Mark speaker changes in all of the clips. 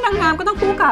Speaker 1: นางงามก็ต้องคู่กับ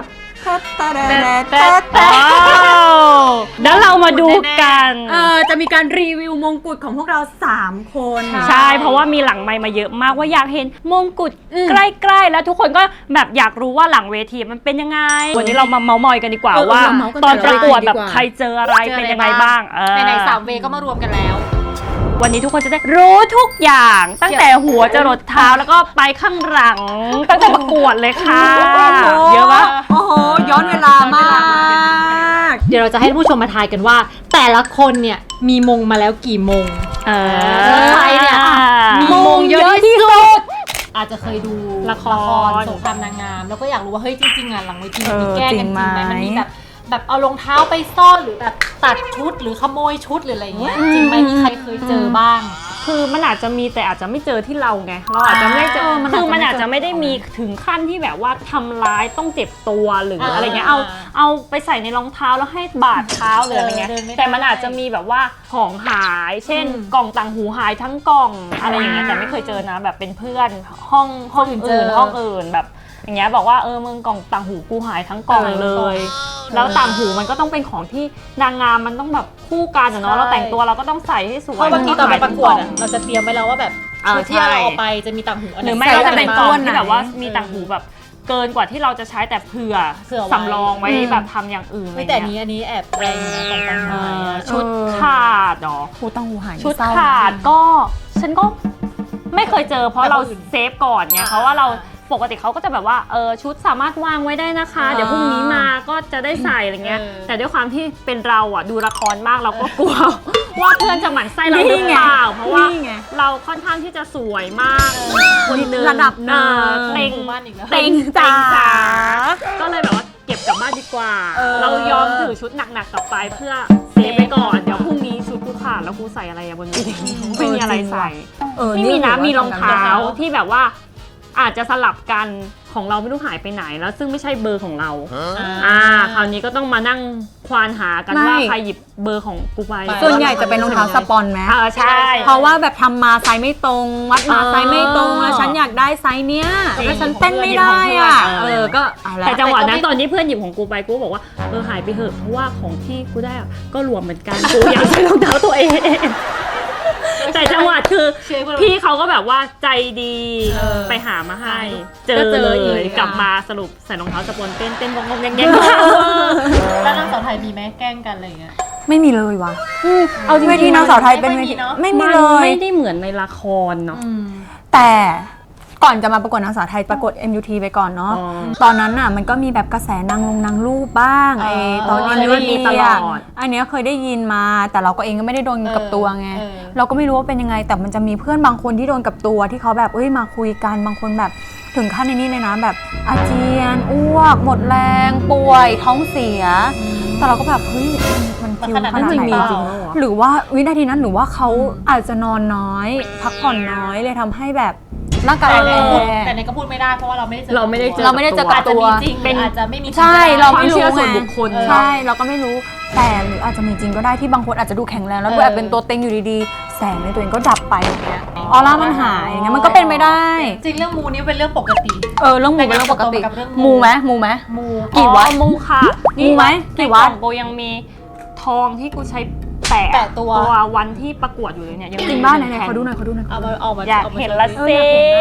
Speaker 2: แล้วเรามาดูกัน
Speaker 1: จะมีการรีวิวมงกุฎของพวกเรา3คน
Speaker 2: ใช่เพราะว่ามีหลังไมค์มาเยอะมากว่าอยากเห็นมงกุฎใกล้ๆแล้วทุกคนก็แบบอยากรู้ว่าหลังเวทีมันเป็นยังไงวันนี้เรามาเมาท์มอยกันดีกว่าว่าตอนประกวดแบบใครเจออะไรเป็นยังไงบ้าง
Speaker 3: ใน3 เวก็มารวมกันแล้ว
Speaker 2: วันนี้ทุกคนจะได้รู้ทุกอย่างตั้งแต่หัวจรดเท้าแล้วก็ไปข้างหลังตั้งแต่ประกวดเลยค่ะเยอะปะ
Speaker 1: โอ้โหย้อนเวลามาก
Speaker 3: เดี๋ยวเราจะให้ผู้ชมมาทายกันว่าแต่ละคนเนี่ยมีมงมาแล้วกี่มงใครเนี่ยมีมงเยอะที่สุดอาจจะเคยดูละครสงครามนางงามแล้วก็อยากรู้ว่าเฮ้ยจริงๆอ่ะหลังเวทีมันมีแก้กันจริงไหมมันมีแบบเอารองเท้าไปซ่อนหรือแบบตัดชุดหรือขโมยชุดหรืออะไรเงี้ยจริงไหมมีใครเคยเจอบ้าง
Speaker 2: คือมันอาจจะมีแต่อาจจะไม่เจอที่เราไงเราอาจจะไม่เจอคือมันอาจจะไม่ได้มีถึงขั้นที่แบบว่าทำร้ายต้องเจ็บตัวหรืออะไรเงี้ยเอาไปใส่ในรองเท้าแล้วให้บาดเท้าหรืออะไรเงี้ยแต่มันอาจจะมีแบบว่าของหายเช่นกล่องต่างหูหายทั้งกล่องอะไรอย่างเงี้ยแต่ไม่เคยเจอนะแบบเป็นเพื่อนห้องอื่นแบบอย่างเงี้ยบอกว่ามึงกล่องต่างหูกูหายทั้งกล่องเลยแล้วต่างหูมันก็ต้องเป็นของที่นางงามมันต้องแบบคู่กันเนาะเราแต่งตัวเราก็ต้องใส่ให้สวย
Speaker 3: เพราะบางทีตอนไปประกวดเราจะเตรียมไว้แล้วว่าแบบชุดที่เราเอาไปจะมีต่างหู
Speaker 2: หรือไม่ก็จะเป็นกล่องที่แบบว่ามีต่างหูแบบเกินกว่าที่เราจะใช้แต่เผื่อสำรองไว้แบบทำอย่างอื่น
Speaker 3: ไม่แต่อันนี้แอบแรงนะของต่างหู
Speaker 2: ชุดขาดเนาะ
Speaker 1: หูต่างหูหาย
Speaker 2: ชุดขาดก็ฉันก็ไม่เคยเจอเพราะเราเซฟก่อนไงเพราะว่าเราปกติเขาก็จะแบบว่าชุดสามารถวางไว้ได้นะคะเดี๋ยวพรุ่งนี้มาก็จะได้ใส่อะไรเงี้ยแต่ด้วยความที่เป็นเราอ่ะดูละครมากเราก็กลัวว่าเพื่อนจะหมั่นไส้เราหรือเปล่าเพราะว่าเราค่อนข้างที่จะสวยมากคนนึง
Speaker 1: ระดับหนึ่ง
Speaker 2: เต็งจ๋าก็เลยแบบว่าเก็บกลับบ้านดีกว่าเรายอมถือชุดหนักๆกลับไปเพื่อเซฟไปก่อนเดี๋ยวพรุ่งนี้ชุดกูขาดแล้วกูใส่อะไรบนนี้ไม่มีอะไรใส่ไม่มีนะมีรองเท้าที่แบบว่าอาจจะสลับกันของเราไม่รู้หายไปไหนแล้วซึ่งไม่ใช่เบอร์ของเราคราวนี้ก็ต้องมานั่งควานหากันว่าใครหยิบเบอร์ของกูไป
Speaker 1: ส่วนใหญ่จะเป็นรองเท้าสปอนไหม
Speaker 2: ใช่
Speaker 1: เพราะว่าแบบทำมาไซส์ไม่ตรงวัดมาไซส์ไม่ตรงแล้วฉันอยากได้ไซส์เนี้ยแล้วฉันเต้นไม่ได้อ่ะก็
Speaker 2: แต่จังหวะนั้นตอนที่เพื่อนหยิบของกูไปกูบอกว่าหายไปเถอะเพราะว่าของที่กูได้ก็รวมเหมือนกันกูอยากใช้รองเท้าตัวเองแต่จังหวะคือพี่เขาก็แบบว่าใจดีไปหามาให้เจอเลยกลับมาสรุปใส่รองเท้าสปอนเต้นงงแง
Speaker 3: แล้วนางสาวไทยมีไหมแกล้งกันอะไรเงี้ย
Speaker 1: ไม่มีเลยวะเอาจริงๆที่นางสาวไทยเป็นไม่มีเลย
Speaker 2: ไม่ได้เหมือนในละครเนาะ
Speaker 1: แต่ก่อนจะมาประกวดนางสาวไทยประกวด MUT ไปก่อนเนาะตอนนั้นน่ะมันก็มีแบบกระแสนางรูปบ้างตอน MUT ตลอดอันนี้เคยได้ยินมาแต่เราก็เองก็ไม่ได้โดนกับตัวไงเราก็ไม่รู้ว่าเป็นยังไงแต่มันจะมีเพื่อนบางคนที่โดนกับตัวที่เขาแบบมาคุยกันบางคนแบบถึงขั้นในนี้เลยนะแบบอาเจียนอ้วกหมดแรงป่วยท้องเสียแต่เราก็แบบเฮ้ยมันคิวขนาดไหนหรือว่าวินาทีนั้นหรือว่าเขาอาจจะนอนน้อยพักผ่อนน้อยเลยทำให้แบบร่างกาย
Speaker 3: แต่ในก็พูดไม่ได้เพราะว่าเราไม่ได้เจ
Speaker 1: อกับตัว
Speaker 3: เป็นอาจจะไม่มี
Speaker 1: ใช่เราไม่รู้ส่วนบุคคลใช่เราก็ไม่รู้แต่หรืออาจจะมีจริงก็ได้ที่บางคนอาจจะดูแข็งแรงแล้วดูแอบเป็นตัวเต็งอยู่ดีๆแสงในตัวเองก็ดับไปอย่างเงี้ยออร่ามันหายอย่างเงี้ยมันก็เป็นไปได้
Speaker 3: จริงเรื่องมูนี่เป็นเรื่องปกติ
Speaker 1: เรื่องมูเป็นเรื่องปกติมูไหม
Speaker 2: กี่วัดมูค่ะ
Speaker 1: มูไหมกี่วัด
Speaker 2: โบยังมีทองที่กูใช้แตะตัววันที่ประกวดอยู่เลยเนี่ยยัง
Speaker 1: จริงบ้านไหนๆขอดูหน่อย
Speaker 2: อยากเห็นละสิ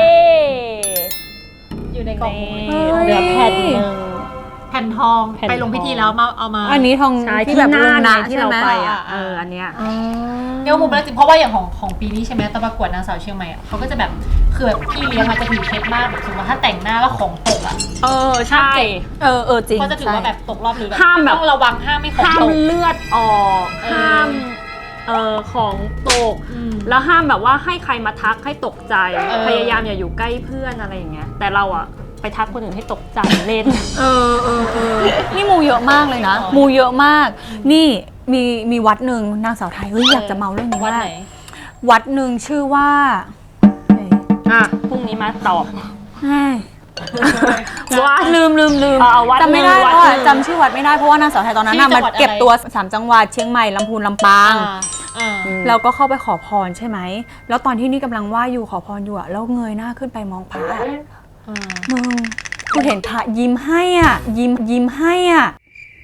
Speaker 3: อยู่ในกล่อง
Speaker 2: เหลือแผ่นนึง
Speaker 3: แผ่นทองไปลงพิธีแล้วเอามา
Speaker 1: อันนี้ทอง
Speaker 2: ที่แบบลงนะที่เราไปอันเนี้ย
Speaker 3: เดี๋ยวมุมเป็นจริงเพราะว่าอย่างของปีนี้ใช่ไหมตอนประกวดนางสาวเชียงใหม่เขาก็จะแบบคือแบบพี่เลี้ยงมันจะถือเคล็ดมากแบบสมมติว่าถ้าแต่งหน้าแล้วของตก
Speaker 2: ใช่
Speaker 1: จริง
Speaker 3: เขาจะถือว่าแบบตกรอบหรือแบบต้องระวังห้ามไม่ของตก
Speaker 2: ห้ามเลือดออกห้ามของตกแล้วห้ามแบบว่าให้ใครมาทักให้ตกใจพยายามอย่าอยู่ใกล้เพื่อนอะไรอย่างเงี้ยแต่เราอะไปทักคนอื่นให้ตกใจเล่น
Speaker 1: นี่มูเยอะมากเลยนะมูเยอะมากนี่มีวัดหนึ่งนางสาวไทยอยากจะเมาเรื่องนี้มากวัดหนึ่งชื่อว่า
Speaker 2: พรุ่งนี้มาตอบ
Speaker 1: วัดลืมจำไม่ได้เพราะจำชื่อวัดไม่ได้เพราะว่านางสาวไทยตอนนั้นมันเก็บตัว3จังหวัดเชียงใหม่ลำพูนลำปางเราก็เข้าไปขอพรใช่ไหมแล้วตอนที่นี่กำลังไหว้อยู่ขอพรอยู่แล้วเงยหน้าขึ้นไปมองพระมึงกูเห็นพระยิ้มให้อ่ะยิ้มให้อ่ะ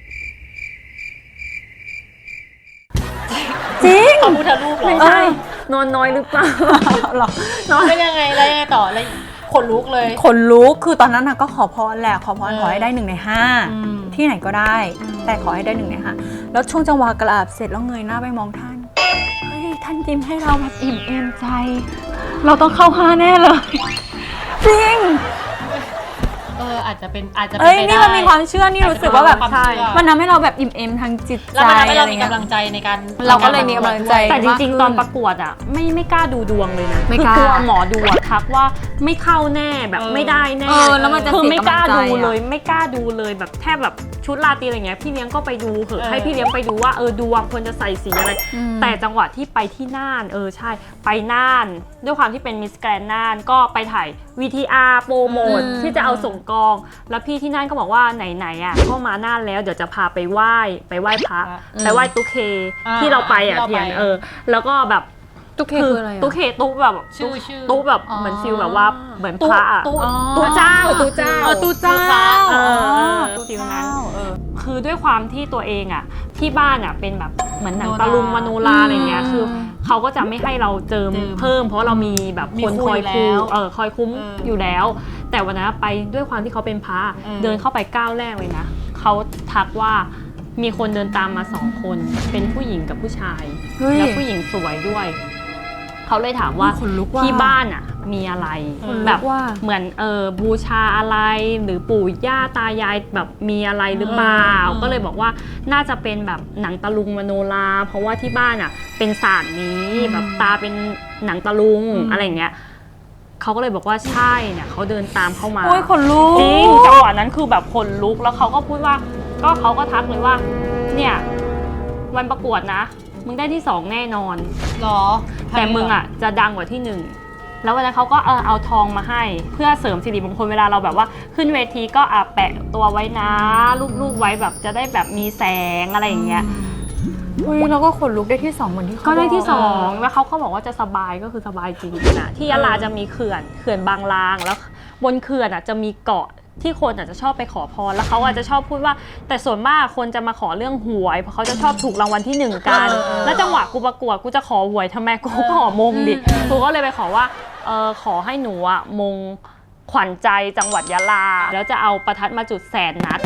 Speaker 1: จริง
Speaker 3: พระพุทธรูปเหรอ
Speaker 2: ไม่ใช่นอนน้อยหรือเปล่า
Speaker 1: หรอ
Speaker 3: แล้วยังไงแล้วยังไงต่อแล้วขนลุกเลย
Speaker 1: ขนลุกคือตอนนั้นน่ะก็ขอพรแหละขอพรขอให้ได้1 ใน
Speaker 3: อืม
Speaker 1: 5ที่ไหนก็ได้ แต่ขอให้ได้1 ใน 5แล้วช่วงจังหวะกราบเสร็จแล้วเงยหน้าไปมองท่านเฮ้ยท่านยิ้มให้เราแบบอิ่มเอมใจ เราต้องเข้า5แน่เลยจริง
Speaker 3: อาจจะเป็นไป
Speaker 1: เอ้ย
Speaker 3: ได้
Speaker 1: นี่มันมีความเชื่อนี่รู้สึกว่าแบบ
Speaker 3: ความ
Speaker 1: ใช่
Speaker 3: เชื่อ
Speaker 1: มันทำให้เราแบบอิ่มเอมทางจิตใจ
Speaker 3: แล้วมันทำให้เรามี
Speaker 1: อะไรงี้ย
Speaker 3: กำลังใจในการ
Speaker 1: เราก็เลยมีกำลังใจ
Speaker 2: แต่จริง
Speaker 1: มากขึ้น
Speaker 2: ๆ ตอนประกวดอ่ะไม่กล้าดูดวงเลยนะ
Speaker 1: ไม่
Speaker 2: คื
Speaker 1: กล้า
Speaker 2: กลัวหมอดูอะทักว่าไม่เข้าแน่แบบไม่ได้แน่
Speaker 1: แล้วมันจะ
Speaker 2: คือ
Speaker 1: เสีย
Speaker 2: ไม่
Speaker 1: กำ
Speaker 2: ก
Speaker 1: ลั
Speaker 2: ล้าง
Speaker 1: ใจ
Speaker 2: ดูเล
Speaker 1: อะ
Speaker 2: ยไม่กล้าดูเลยแบบแทบแบบชุดราตรีอะไรเงี้ยพี่เลี้ยงก็ไปดูเหอะให้พี่เลี้ยงไปดูว่าดวงควรจะใส่สีอะไร แต่จังหวะที่ไปที่น่านใช่ไปน่านด้วยความที่เป็นมิสแกรนน่านก็ไปถ่าย VTR โปรโมทที่จะเอาส่งกอง แล้วพี่ที่น่านก็บอกว่าไหนๆอ่ะก็มาน่านแล้วเดี๋ยวจะพาไปไหว้พระไปไหว้ตุ๊กเคที่เราไปอ่ะเทียนแล้วก็แบบ
Speaker 1: ตุ๊กเคคืออะไรอะ
Speaker 2: ตุ๊กเคตุ๊กแบบ
Speaker 3: ชื่อ
Speaker 2: ตุ๊กแบบ
Speaker 1: อ๋อ
Speaker 2: เหมือนฟิลแบบว่าเหมือนพระอะ
Speaker 3: ตุ๊
Speaker 2: ตุ๊เจ้าตุ๊เจ้า
Speaker 1: ตู้เจ้า
Speaker 2: ตุ๊ฟิลนั้นคือด้วยความที่ตัวเองอ่ะที่บ้านอ่ะเป็นแบบเหมือนหนังตะลุงมโนราอะไรเงี้ยคือเขาก็จะไม่ให้เราเจิมเพิ่ม เพราะเรามีแบบคนคอยคุ้มคอยคุ้มอยู่แล้ว แต่วันนั้นไปด้วยความที่เขาเป็นพระเดินเข้าไปก้าวแรกเลยนะเขาทักว่ามีคนเดินตามมา2 คนเป็นผู้หญิงกับผู้ชาย
Speaker 1: เฮ้ย
Speaker 2: แล้วผู้หญิงสวยด้วยเขาเลยถามว่า
Speaker 1: ขนลุกว่ะ
Speaker 2: ที่บ้านอ่ะมีอะไร
Speaker 1: ขนลุก
Speaker 2: แบบ
Speaker 1: ว่ะ
Speaker 2: เหมือนบูชาอะไรหรือปู่ย่าตายายแบบมีอะไรหรือเปล่าก็เลยบอกว่าน่าจะเป็นแบบหนังตะลุงมโนราเพราะว่าที่บ้านอ่ะเป็นศาสตร์นี้แบบตาเป็นหนังตะลุงอะไรอย่างเงี้ยเขาก็เลยบอกว่าใช่เนี่ยเขาเดินตามเข้ามา
Speaker 1: โอ้ยขนลุก
Speaker 2: จริงจังหวะนั้นคือแบบขนลุกแล้วเขาก็พูดว่าเขาก็ทักเลยว่าเนี่ยวันประกวดนะมึงได้ที่ 2แน่นอน
Speaker 3: หรอ
Speaker 2: แต่มึงอ่ะจะดังกว่าที่ 1แล้ววันนั้นเขาก็เอาทองมาให้เพื่อเสริมสิริมงคลเวลาเราแบบว่าขึ้นเวทีก็แปะตัวไว้นะรูปไว้แบบจะได้แบบมีแสงอะไรอย่างเงี้ย
Speaker 1: อุ้ยเราก็ขนลุกได้ที่2เหมือนที่เขา
Speaker 2: ก็ได้ที่
Speaker 1: บอก
Speaker 2: 2แล้วเขาก็บอกว่าจะสบายก็คือสบายจริงนะที่ยะลาจะมีเขื่อนบางลางแล้วบนเขื่อนอ่ะจะมีเกาะที่คนอาจจะชอบไปขอพรแล้วเขาอาจจะชอบพูดว่าแต่ส่วนมากคนจะมาขอเรื่องหวยเพราะเขาจะชอบถูกรางวัลที่ 1กันแล้วจังหวะกูประกวดกูจะขอหวยทำไมกูก็ขอมงดิกูก็เลยไปขอว่าขอให้หนูอะมงขวัญใจจังหวัดยะลาแล้วจะเอาประทัดมาจุด100,000 นัด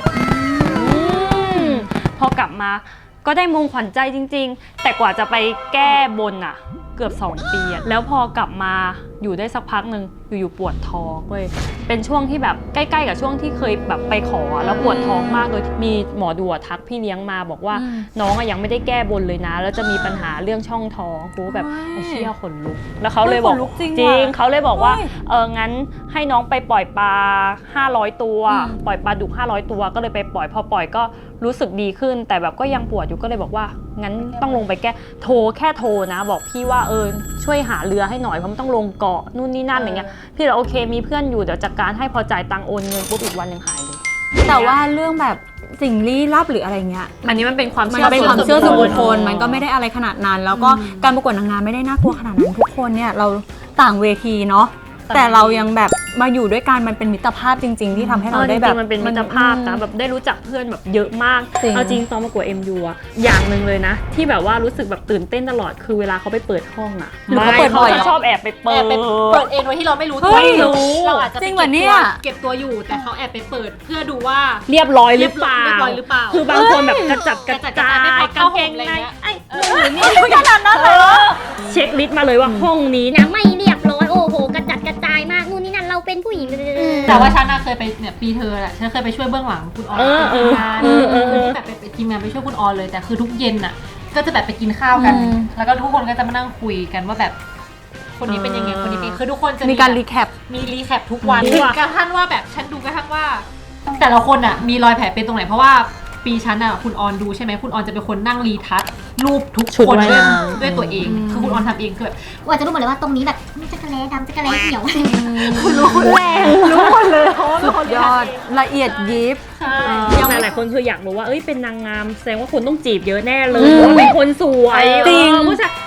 Speaker 2: พอกลับมาก็ได้มงขวัญใจจริงๆแต่กว่าจะไปแก้บนอะเกือบ2 ปีอะแล้วพอกลับมาอยู่ได้สักพักหนึ่งอยู่ๆปวดท้องเว้ยเป็นช่วงที่แบบใกล้ๆกับช่วงที่เคยแบบไปขอแล้วปวดท้องมากโดยมีหมอดูทักพี่เลี้ยงมาบอกว่าน้องอะยังไม่ได้แก้บนเลยนะแล้วจะมีปัญหาเรื่องช่องท้องกูแบบเชี่ยขนลุกแล้วเขาเลยบอก
Speaker 1: จริง
Speaker 2: จริง
Speaker 1: ว่ะ
Speaker 2: เขาเลยบอกว่า
Speaker 1: เฮ้ย
Speaker 2: งั้นให้น้องไปปล่อยปลา500 ตัวปล่อยปลาดุก500 ตัวก็เลยไปปล่อยพอปล่อยก็รู้สึกดีขึ้น แต่แบบก็ยังปวดอยู่ก็เลยบอกว่างั้นต้องลงไปแก้แค่โทรนะบอกพี่ว่าช่วยหาเรือให้หน่อยเพราะมันต้องลงเกาะนู่นนี่นั่นอะไรเงี้ยพี่เราโอเคมีเพื่อนอยู่เดี๋ยวจัดการให้พอจ่ายตังค์โอนเงินปุ๊บอีกวันหนึ่งหายเลย
Speaker 1: แต่ว่าเรื่องแบบสิ่งลี้ลับหรืออะไรเงี้ย
Speaker 2: อันนี้มันเป็นความ
Speaker 1: มัน
Speaker 2: เชื่อ
Speaker 1: เป็นความเชื่อส่วนบุคคล
Speaker 3: อ๋อ
Speaker 1: มันก็ไม่ได้อะไรขนาดนั้น แล้วก็การประกวดนางงามไม่ได้น่ากลัวขนาดนั้นทุกคนเนี่ยเราต่างเวทีเนาะแต่เรายังแบบมาอยู่ด้วยกันมันเป็นมิตรภาพจริง ๆ ที่ทำให้เราได้แบบ
Speaker 2: จริงๆมันเป็นมิตรภาพนะแบบได้รู้จักเพื่อนแบบเยอะมาก
Speaker 1: จริง
Speaker 2: เอาจริงตอนประกวด MU อะอย่างหนึ่งเลยนะ ที่แบบว่ารู้สึกแบบตื่นเต้นตลอดคือเวลาเขาไปเปิดห้องอะ
Speaker 1: หรือเขาเปิดบ่อย
Speaker 2: จะชอบแอบไปเปิ
Speaker 3: แอ
Speaker 2: ด
Speaker 3: บไปเปิดเองโดยที่เราไม่รู้
Speaker 1: เฮ้ย
Speaker 3: เราอาจจะ
Speaker 1: จริงเหรอเนี่ย
Speaker 3: เก็บตัวอยู่แต่เขาแอบไปเปิดเพื่อดูว่า
Speaker 2: เรียบร้อยหรือเปล่า
Speaker 3: เรียบร้อยหรือเปล่า
Speaker 2: คือบางคนแบบกระจัดกระจาย
Speaker 3: ไม่พอก
Speaker 2: า
Speaker 3: เข้าง
Speaker 2: เก
Speaker 3: ห่
Speaker 2: ง
Speaker 3: มอะไร
Speaker 2: ใน
Speaker 3: เงี้ย
Speaker 2: ไอ้นี่ขนาดนั้นเลยเช็คลิสต์มาเลยว่าห้องนี้นะ
Speaker 4: ไม่เรียบร้อยโอ้โหกระจัดกระจายมากนู่นนี่นั่นเราเป็นผู้หญิง
Speaker 3: แต่ว่าฉันน่ะเคยไปเนี่ยปีเธอแหละฉันเคยไปช่วยเบื้องหลังคุณออนเป็นทีมงานแบบเป็นทีมงานไปช่วยคุณออนเลยแต่คือทุกเย็นน่ะก็จะแบบไปกินข้าวกัน แล้วก็ทุกคนก็จะมานั่งคุยกันว่าแบบคนนี้เป็นยังไงคนนี้เป็นคือทุกคนจะ
Speaker 1: มีการรีแคป
Speaker 3: มีรีแคปทุกวันถึงกระทั่งว่าแบบฉันดูกระทั่งว่า แต่ละคนอ่ะมีรอยแผลเป็นตรงไหนเพราะว่าปีฉันอ่ะคุณออนดูใช่ไหมคุณออนจะเป็นคนนั่งรีทัชรูปทุก
Speaker 2: ชุด
Speaker 3: คน
Speaker 2: ว่าย
Speaker 3: ด้วย
Speaker 2: น้ำ
Speaker 3: ด้วยตัวเองคือคุณออนทำเองคือแบบ
Speaker 4: ว่าจะรู้หมดเลยว่าตรงนี้แบบนี่จักรแล้ดำจักรแล้เขียว
Speaker 2: คุณรู้แรงรู้หมดเลยเพราะว่า
Speaker 1: สุดยอดละเอียดยิบ
Speaker 2: ยังหลายๆคนคืออยากรู้ว่าเป็นนางงามแสดงว่าคุณต้องจีบเยอะแน่เลยเพราะว่าเป็นคนสวย
Speaker 1: จริง
Speaker 2: ผู้ชาย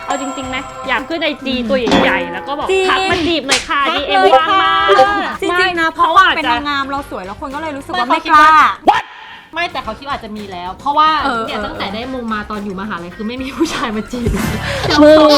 Speaker 2: เอาจริงๆนะอยากขึ้นไอจีตัวใหญ่ๆแล้วก็บอก
Speaker 1: จริง
Speaker 2: ทักมาจีบหน่อยค่ะ
Speaker 1: ทัก
Speaker 2: DM
Speaker 1: เลย
Speaker 2: ว่างมาก
Speaker 1: จริงๆนะเพราะ
Speaker 2: เขา
Speaker 1: ว่า
Speaker 2: อาจ
Speaker 1: เป็น
Speaker 2: จะ
Speaker 1: นางงามเราสวยแล้วคนก็เลยรู้สึกว่า
Speaker 3: ไม่
Speaker 1: ไม่กล้า
Speaker 3: ไม่แต่เขาคิดว่าอาจจะมีแล้ว เพราะว่า
Speaker 1: เออ
Speaker 3: เนี่ยตั้งแต่ได้มงมาตอนอยู่มหาลัยคือไม่มีผู้ชายมาจีบ
Speaker 2: มือ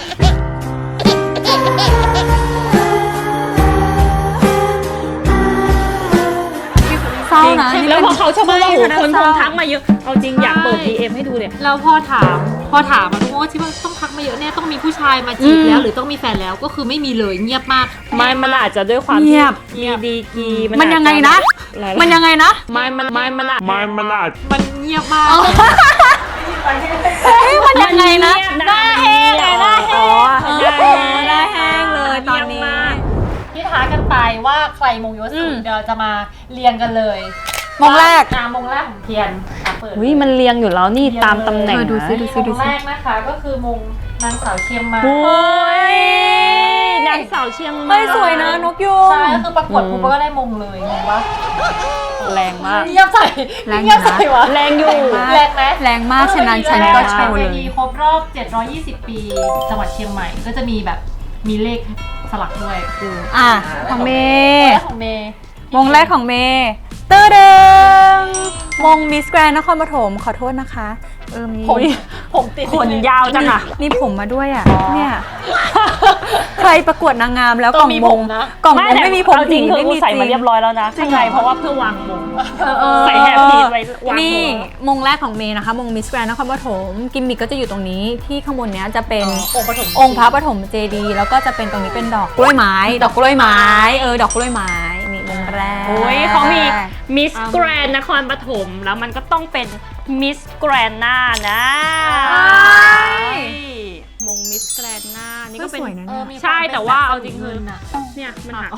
Speaker 1: เศร้านะ
Speaker 2: แล้วพอเขาชอบมาว่าโอ้โหคน
Speaker 1: เศ
Speaker 2: ค
Speaker 1: ร้า
Speaker 2: งทักมาเยอะเอาจริงอยากเปิด DM ให้ดูเลย
Speaker 3: แล้วพอถามอะทุกคนก็คิดว่าต้องทักมาเยอะเนี่ยต้องมีผู้ชายมาจีบแล้วหรือต้องมีแฟนแล้วก็คือไม่มีเลยเงียบมาก
Speaker 2: ไม่มันอาจจะด้วยความ
Speaker 1: เงี
Speaker 2: ที่
Speaker 1: ยบ
Speaker 2: มีดีกรี
Speaker 1: มันยังไงนะ มันยังไงนะ
Speaker 2: มันอาจ
Speaker 3: มันเงียบมาก
Speaker 1: เฮ้ยมันยังไงนะ
Speaker 2: หน้าแห้งหน้าแห้ง
Speaker 1: ได้แห้งเลยตอนนี้
Speaker 3: ที่ท้ากันไปว่าใครมงเยอะสุดเดี๋ยวจะมาเรียงกันเลย
Speaker 1: มงแรก
Speaker 3: มงแรกของเทียนเปิด
Speaker 2: อุ้ยมันเรียงอยู่แล้วนี่ตามตำแหน่ง
Speaker 1: ดู
Speaker 2: นะ
Speaker 1: สิดูสิ
Speaker 3: มงแรกนะคะก็คือมงนางสาวเชียงใหม่
Speaker 2: โอ้ยนางสาวเชียงใหม่
Speaker 1: ไม่สวยนะนกยูง
Speaker 3: ใช่ก็คือประกวดปุ๊บก็ได้มงเลยงงปะ
Speaker 2: แรงมาก
Speaker 3: เงียบใส่
Speaker 1: แรงอยู่นะ
Speaker 3: เงียบใส่วะ
Speaker 2: แรงอยู่
Speaker 3: แรงไหม
Speaker 1: แรงมากฉะนั้นฉันก็โชว์เลย
Speaker 3: วทีครบรอบ 720 ปีจังหวัดเชียงใหม่ก็จะมีแบบมีเลขสลักด้วย
Speaker 1: อ่ะของเม
Speaker 3: แร
Speaker 1: ย์
Speaker 3: กของเมย์
Speaker 1: มงแรกของเมย์ตื้อดึงมงมิสแกรนนครปฐมขอโทษนะคะมี
Speaker 3: ผมติด
Speaker 2: ขนยาวจังอะ
Speaker 1: มีผมมาด้วยอ่ะเนี่ยใครประกวดนางงามแล้วก
Speaker 3: ต้
Speaker 1: ล่
Speaker 3: อ
Speaker 1: อง ง
Speaker 3: มี
Speaker 1: ม
Speaker 3: ผ
Speaker 1: ง
Speaker 3: มนะ
Speaker 1: กล่องมงไม่มีผม
Speaker 2: เอาจริง
Speaker 1: ผี
Speaker 2: คือ
Speaker 1: ไม่
Speaker 2: กู
Speaker 1: มี
Speaker 2: ใส่มาเรียบร้อยแล้วนะข้างในเพราะว่าเพื่อวางมงใส่แฮปปี้ไว้วางม
Speaker 1: นี่
Speaker 2: ง
Speaker 1: มงแรกของเมย์นะคะมงมิสแกรนนครปฐมกิมมิกก็จะอยู่ตรงนี้ที่ข้างบนเนี้ยจะเป็น
Speaker 3: องค์ปฐม
Speaker 1: องค์พระปฐมเจดีย์แล้วก็จะเป็นตรงนี้เป็นดอกกล้วยไม้ ดอกกล้วยไม้ดอกกล้วยไม้นี่มงแรก
Speaker 2: โอ้ยเขามีมิสแกรนนครปฐมแล้วมันก็ต้องเป็นมิสแกรนนานะมงมิสแกรนนานี่ก็เป็น
Speaker 1: สวยนะเนี่ย
Speaker 2: ใช่แต่ว่าเอาจริงคือ
Speaker 3: น่ะ
Speaker 2: เนี่ยมันหัก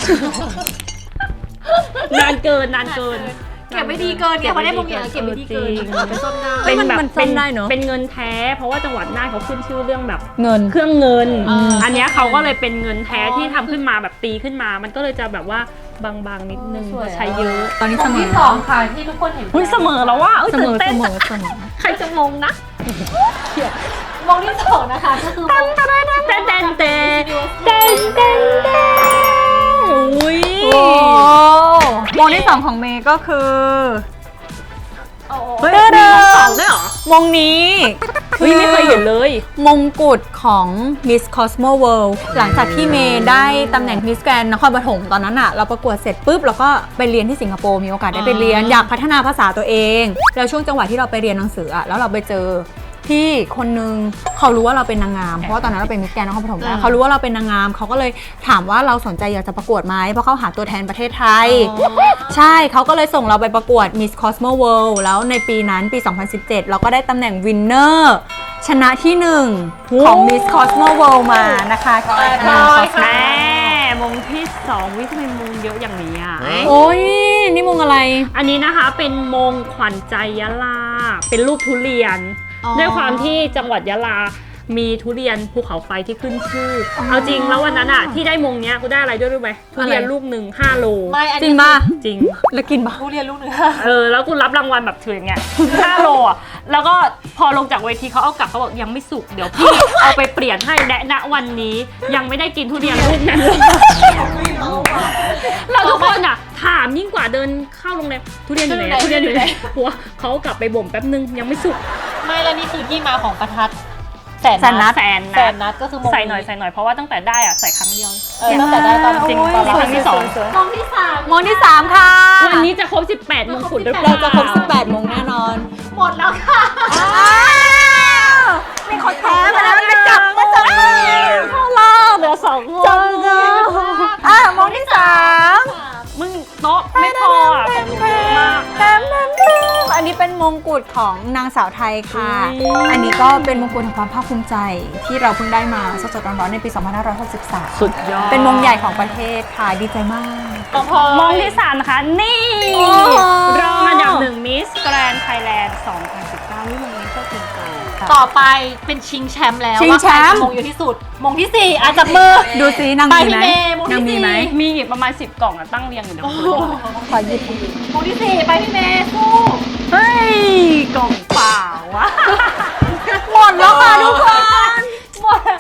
Speaker 2: นานเกิน
Speaker 3: เก็บไม่ดีเกินเนี่ยพอได้มงเนี่ยเก็บไม่ดีเกิน
Speaker 2: จริง
Speaker 3: เป็นต้นได้
Speaker 2: เป็นแบบ
Speaker 1: มันซ่อมได้เนอะ
Speaker 2: เป็นเงินแท้เพราะว่าจังหวัดน่านเขาขึ้นชื่อเรื่องแบบ
Speaker 1: เงิน
Speaker 2: เครื่องเงิน
Speaker 3: อ่า
Speaker 2: อันเนี้ยเขาก็เลยเป็นเงินแท้ที่ทำขึ้นมาแบบตีขึ้นมา มันก็เลยจะแบบว่าบางๆนิดนึง
Speaker 3: สวย
Speaker 2: ใช้เยอะ
Speaker 1: ตอนนี้
Speaker 3: ม
Speaker 1: เส
Speaker 3: ง
Speaker 1: มอ
Speaker 3: ที่สองค่ะที่ทุกคนเห็น
Speaker 2: อุ้ยเสมอแล้วว่า
Speaker 1: เสมอ
Speaker 2: ตื่นเต้
Speaker 1: เส
Speaker 2: น
Speaker 1: มอเสมอ
Speaker 2: ใครจะงงนะ
Speaker 3: มงที่สองนะคะก็คือมง
Speaker 2: เต้นเต้นเต้นเต้นเต้นเต้นอุ้ย
Speaker 1: โอ้มงที่สองของเมย์ก็คือ
Speaker 2: เฮ้ยมีน้องสองด้วยเหรอ
Speaker 1: มงนี้
Speaker 2: เฮ้ยไม่เคยเห็นเลย
Speaker 1: มงกุฎของ Miss Cosmo World หลังจากที่เมย์ได้ตำแหน่ง Miss Grand นครปฐมตอนนั้นอะเราประกวดเสร็จปุ๊บเราก็ไปเรียนที่สิงคโปร์มีโอกาสได้ไปเรียนอยากพัฒนาภาษาตัวเอง แล้วช่วงจังหวะที่เราไปเรียนหนังสืออะแล้วเราไปเจอที่คนนึงเขารู้ว่าเราเป็นนางงามเพราะว่าตอนนั้นเราเป็นมิสแกรนด์นครปฐมแล้วเขารู้ว่าเราเป็นนางงามเขาก็เลยถามว่าเราสนใจอยากจะประกวดไหมเพราะเขาหาตัวแทนประเทศไทย ใช่เขาก็เลยส่งเราไปประกวด Miss Cosmo World แล้วในปีนั้นปี 2017 เราก็ได้ตำแหน่งวินเนอร์ชนะที่ 1 ของ Miss Cosmo World มานะคะ
Speaker 2: แม่มงที่สองวิทำไมมงเยอะอย่างนี้อ่ะ
Speaker 1: โอ้ยนี่มงอะไร
Speaker 2: อันนี้นะคะเป็นมงขวัญใจยะลา เป็นรูปทุเรียน ด้วยความที่จังหวัดยะลา มีทุเรียนภูเขาไฟที่ขึ้นชื่ออเอาจริงแล้ววันนั้นอ่ะที่ได้มงเนี้ยกูได้อะไรด้วยรู้ไหมทุเรียนลูกหนึ่ง5 โล
Speaker 3: ไม่อัน
Speaker 1: จริ
Speaker 3: นี้
Speaker 1: งป่ะ
Speaker 2: จริง
Speaker 1: แล้วกินป่ะ
Speaker 3: ผู้เรียนลูกเนื้อ
Speaker 2: แล้วกูรับรางวัลแบบถืออย่างเงี้ย5 โลอ่ะ แล้วก็พอลงจากเวทีเขาเอากลับเขาบอกยังไม่สุก เดี๋ยวพี่ เอาไปเปลี่ยนให้และณวันนี้ยังไม่ได้กินทุเรียนลูกนั้นเลยเราทุกคนอ่ะถามยิ่งกว่าเดินเข้าโรงแรมทุเรียนอยู่ไหนอะทุเรียนอยู่ไหนหัวเขาเอากลับไปบ่มแป๊บนึงยังไม่สุก
Speaker 3: ไม่แล้วนี่คือที่มาของประทัดแสน
Speaker 1: แสนนั
Speaker 3: นั
Speaker 1: ด
Speaker 3: ด
Speaker 2: แสน
Speaker 3: แสนนัดก็คือมง
Speaker 2: ใส่หน่อยเพราะว่าตั้งแต่ได้อ่ะใส่ครั้งเดียว
Speaker 3: ตั้งแต่ได้ตอน
Speaker 2: จริง
Speaker 3: ตอน
Speaker 2: ตอนครั้งที่สอง
Speaker 3: มงที่สาม
Speaker 1: มงที่ 3 ค่ะ
Speaker 2: วันนี้จะครบ18มงกุฎหรือเปล่า
Speaker 1: เราจะครบ18 มงแน่นอน
Speaker 3: หมดแล้วค่ะ
Speaker 1: อ้าวมีคนแพ้มาแล้วมาจับมือเข้ารอบ
Speaker 2: เหลือ2มง
Speaker 1: มงที่ 3
Speaker 2: มึงโต๊ะไม่พออ่ะของมึงเยอะมาก
Speaker 1: อันนี้เป็นมงกุฎของนางสาวไทยค่ะ
Speaker 2: อุ๊ย
Speaker 1: อันนี้ก็เป็นมงกุฎแห่งความภาคภูมิใจที่เราเพิ่งได้มาสดๆร้อนๆในปี 2563
Speaker 2: สุดยอด
Speaker 1: เป็นมงใหญ่ของประเทศค่ะ ดีใจมาก
Speaker 3: ของพอ
Speaker 2: มงที่3นะคะ นี่
Speaker 1: โอ้โห
Speaker 2: รองอันดับ1 Miss Grand Thailand 2019นี่มงนี้ก็เก่งใจ
Speaker 3: ต่อไปเป็นชิงแชมป์แล้ว
Speaker 1: ชิงแชมป์
Speaker 3: ว่าใครจะมงเยอะที่สุด มงที่ 4อาจจะมือ
Speaker 1: ดูสินาง
Speaker 3: ไป
Speaker 1: มี
Speaker 3: พี่
Speaker 1: ไหม
Speaker 3: เมย์มง
Speaker 1: นาง
Speaker 3: ที่
Speaker 1: มี
Speaker 3: สี่
Speaker 1: ไหม
Speaker 2: มีอีกประมาณ10 กล่องอะตั้งเรียงอยู่เดี๋ยว
Speaker 3: โอ้
Speaker 2: คุณ
Speaker 3: โห
Speaker 1: ขอหยิบ
Speaker 3: มงที่ 4 ไปพี่เมย์สู้
Speaker 2: เฮ้ย กล่องเปล่าวะ
Speaker 1: หมดแล้วค่ะทุกคน
Speaker 3: หมดแล้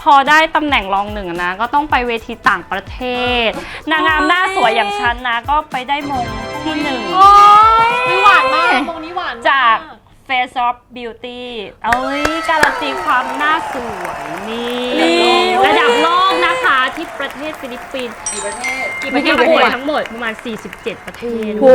Speaker 2: อได้ตำแหน่งรองหนึ่งนะ ก็ต้องไปเวทีต่างประเทศ นางงามหน้าสวยอย่างฉันนะ ก็ไปได้มงที่หนึ่ง
Speaker 3: หวานมากมงนี้หวานม
Speaker 2: จาก Face of Beauty การันตีความหน้าสวยนี่ระดับโลกนะคะที่ประเทศฟิลิปปินส์กี่ประเทศประกวดทั้งหมดประมาณ 47 ประเทศ
Speaker 1: โอ้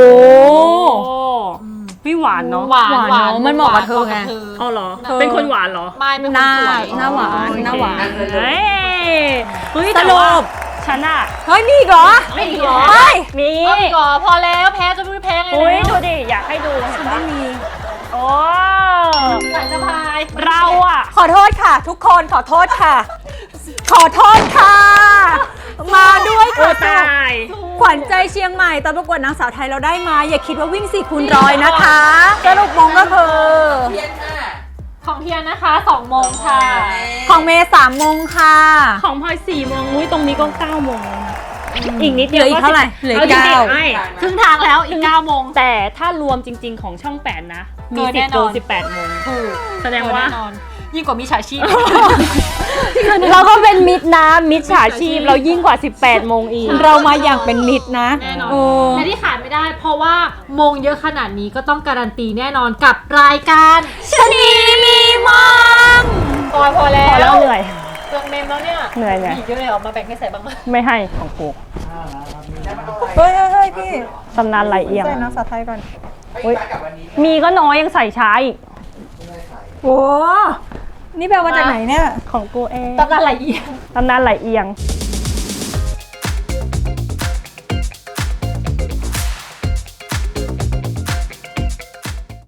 Speaker 2: ไม่หวานเนาะ
Speaker 3: หวาน
Speaker 1: เนอะมันเหมาะกับเธอไง
Speaker 2: อ๋อเหรอ เป็นคนหวานเหรอ
Speaker 3: ไม่เป็น
Speaker 1: ห
Speaker 3: คน
Speaker 1: น้า
Speaker 3: สวย
Speaker 1: หน้าหวานหน้าหวาน
Speaker 2: เฮ้ย
Speaker 1: ส
Speaker 2: แต่
Speaker 1: รุ
Speaker 2: ว่า
Speaker 1: ป
Speaker 2: ฉันอะ
Speaker 1: เฮ้ยมีอีกเหรอ
Speaker 3: ไม่อีกเหรอ
Speaker 1: เฮ้ย
Speaker 2: มี
Speaker 3: เอาอีกเหรอพอแล้วแพ้จะไม่แพ้ไง
Speaker 2: อุ้ย
Speaker 3: แล้ว
Speaker 2: ดูดิ อยากให้ดูเห็นปะ
Speaker 1: มี
Speaker 2: โอ้
Speaker 3: สายสะพาย
Speaker 2: เราอะ
Speaker 1: ขอโทษค่ะ ทุกคนขอโทษค่ะ ขอโทษค่ะ มาด้วย
Speaker 2: โอ้
Speaker 1: ค่ะ
Speaker 2: ตาย
Speaker 1: ขวัญใจเชียงใหม่ตอนประกวดนางสาวไทยเราได้มา อย่าคิดว่าวิ่ง4คูณร้อยนะคะสรุปมงก็คือ
Speaker 3: ของเทียนนะคะ2โมงค่ะ
Speaker 1: ของเมย์3โมงค่ะ
Speaker 2: ของพลอย4 โมงอุ้ยตรงนี้ก็9 โมงแล้วนะอีกนิด
Speaker 1: เห
Speaker 2: เดี
Speaker 1: ลื
Speaker 2: ยว
Speaker 1: ออีกเท่าไหร่เหลือ
Speaker 2: เอาจริง
Speaker 1: เก้า
Speaker 2: ๆไม่
Speaker 3: ครึ่งทางแล้วอีก9โมง
Speaker 2: แต่ถ้ารวมจริง ๆ ของช่อง 8 นะ มี
Speaker 3: เกินแน่
Speaker 2: 10
Speaker 3: น
Speaker 2: โม
Speaker 3: อง น
Speaker 2: 18 โมง
Speaker 3: ถูก
Speaker 2: แสดงว่า
Speaker 3: แน่นอนยิ่งกว่ามิจฉาชีพ
Speaker 2: เราก็เป็นมิดนะมิดฉาชีพเรายิ่งกว่า 18 โมงอีก
Speaker 1: เรามาอย่างเป็นมิตรนะ
Speaker 3: แน่นอน
Speaker 1: โอ้
Speaker 3: และที่ขาดไม่ได้ เพราะว่ามงเยอะขนาดนี้ก็ต้องการันตีแน่นอนกับรายการ
Speaker 1: ชะนีมีมง
Speaker 3: พอแล้
Speaker 2: พอแล้ว
Speaker 3: ว
Speaker 2: เหนื่อย
Speaker 3: เปลืองเมมแล้วเนี่ย
Speaker 2: เหนื่อย
Speaker 3: มีอีกเยอะเลยเหรอมาแบ่งให้ใส่บ้างไหม
Speaker 2: ไม่ให้ของกู
Speaker 1: เฮ้ยเฮ้ยพี่
Speaker 2: ตำนานไหลเอียง
Speaker 1: ใส่นางสาวไทยก่อน
Speaker 2: อุ๊ยมีก็น้อยยังใส่ช้าอีก
Speaker 1: โอ้นี่แปลว่าจากไหนเนี่ย
Speaker 2: ของกูเอง
Speaker 3: ตำนานไหลเอียง
Speaker 2: ตำนานไหลเอียง